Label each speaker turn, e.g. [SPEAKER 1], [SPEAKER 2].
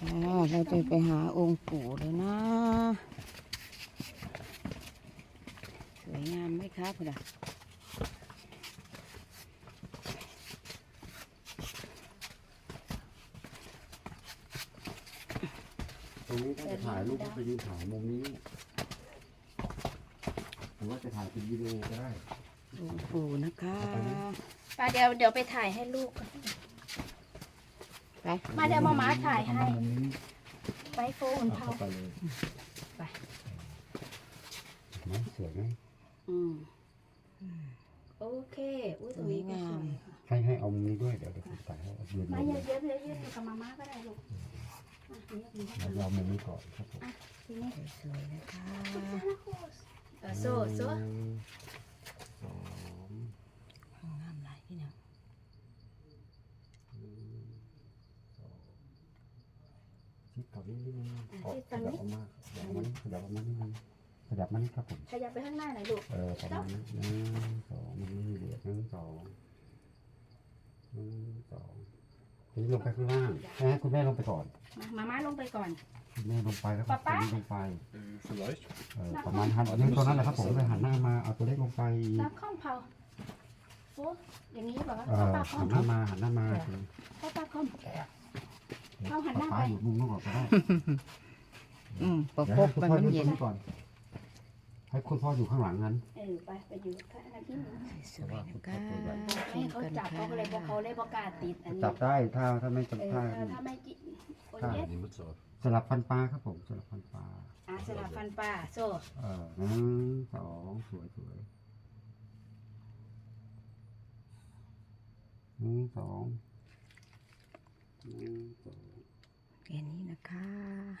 [SPEAKER 1] เราจะไปหาองค์ปู่เลยนะสวยงามไหมครับพ่อ
[SPEAKER 2] ตรงนี้ถ้าจะถ่ายรูปก็ไปยืนถ่ายมุมนี้หรือว่าจะถ่ายเป็นวิดีโอก็ได้
[SPEAKER 1] องค์ปู่นะคะ
[SPEAKER 3] ป้าเดี๋ยวไปถ่ายให้ลูกก่อน
[SPEAKER 1] ไป
[SPEAKER 3] มาเดี๋ยวมาม้าถ่ายให้
[SPEAKER 2] มุมนี้
[SPEAKER 3] ไว้โฟนเผา
[SPEAKER 2] เข้าไปเลย
[SPEAKER 3] ไป
[SPEAKER 2] ไหมสวยไหม
[SPEAKER 1] อืม
[SPEAKER 3] โอเคอุ้ย
[SPEAKER 1] สวยงาม
[SPEAKER 2] ให้เอามุมนี้ด้วยเดี๋ยวผมถ่ายให้ยืน
[SPEAKER 3] มา
[SPEAKER 2] มุม
[SPEAKER 3] เย
[SPEAKER 2] นี้
[SPEAKER 3] อะๆกับมาม่าก็ได้ลูกอ่ะเยอะๆ
[SPEAKER 2] เรามุมนี้ก่อนครับผม
[SPEAKER 3] ทีนี้
[SPEAKER 1] สวยๆนะคะ
[SPEAKER 3] โซ่โซ่
[SPEAKER 2] หนึ่งสอง
[SPEAKER 1] งามหลายพี่น้อง
[SPEAKER 2] ชิดกับนี้นิดนึงขยับออกมาขยับออกมานิดขยับออกมานิดนึงขยับมานี่ครับผม
[SPEAKER 3] ขยับไปข้างหน้าหน่อยลูก
[SPEAKER 2] ประมาณนี้หนึ่งสองมันไม่มีเหลือหนึ่งสองหนึ่งสองทีนี้ลงไปข้างล่างให้คุณแม่ลงไปก่อน
[SPEAKER 3] มาม่าลงไปก่อน
[SPEAKER 2] คุณแม่ลงไปแล้วก็
[SPEAKER 3] ป๊า
[SPEAKER 2] ตัวนี้ลงไป
[SPEAKER 4] Vielleicht.
[SPEAKER 2] ประมาณหันนึงตัวนั้นแหละครับผมเลยหันหน้ามาเอาตัวเล็กลงไป
[SPEAKER 3] แล้วข้อมเผาโอ้อย่างนี้แบบว่า
[SPEAKER 2] หั
[SPEAKER 3] ข้อม
[SPEAKER 2] นหน้ามาหันหน้ามา
[SPEAKER 3] ข้อปลาข้อม เอาหันหน้าไป
[SPEAKER 2] ป้าอยู่มุมนู้นก่อนก็ได้
[SPEAKER 1] ประ
[SPEAKER 2] เดี๋ยว
[SPEAKER 1] กบ
[SPEAKER 2] ให้คุณ
[SPEAKER 1] ไป
[SPEAKER 2] พ่อ
[SPEAKER 1] มัน
[SPEAKER 2] ยืน
[SPEAKER 1] เย็
[SPEAKER 2] ตร
[SPEAKER 1] น
[SPEAKER 2] งนี้ก่อนให้คุณพ่ออยู่ข้างหลังนั้น
[SPEAKER 3] ไปอยู่ข้างหน้าที่หนึ่ง
[SPEAKER 1] สวยๆนะคะ
[SPEAKER 3] ให้เขาจับเขาเลยเพราะเขาเลยประกล้าศติดอันนี้
[SPEAKER 2] จับได้ถ้าไม่จับถ้า
[SPEAKER 3] ถ้าไม่กินโอ้ย
[SPEAKER 4] Die Mütze auf.
[SPEAKER 2] สลับฟันปลาครับผมสลับฟันปลา
[SPEAKER 3] สลับฟันปลาโซ่
[SPEAKER 2] หนึ่งสองสวยสวยหนึ่งสองหนึ่งสอง
[SPEAKER 1] แค่นี้นะคะ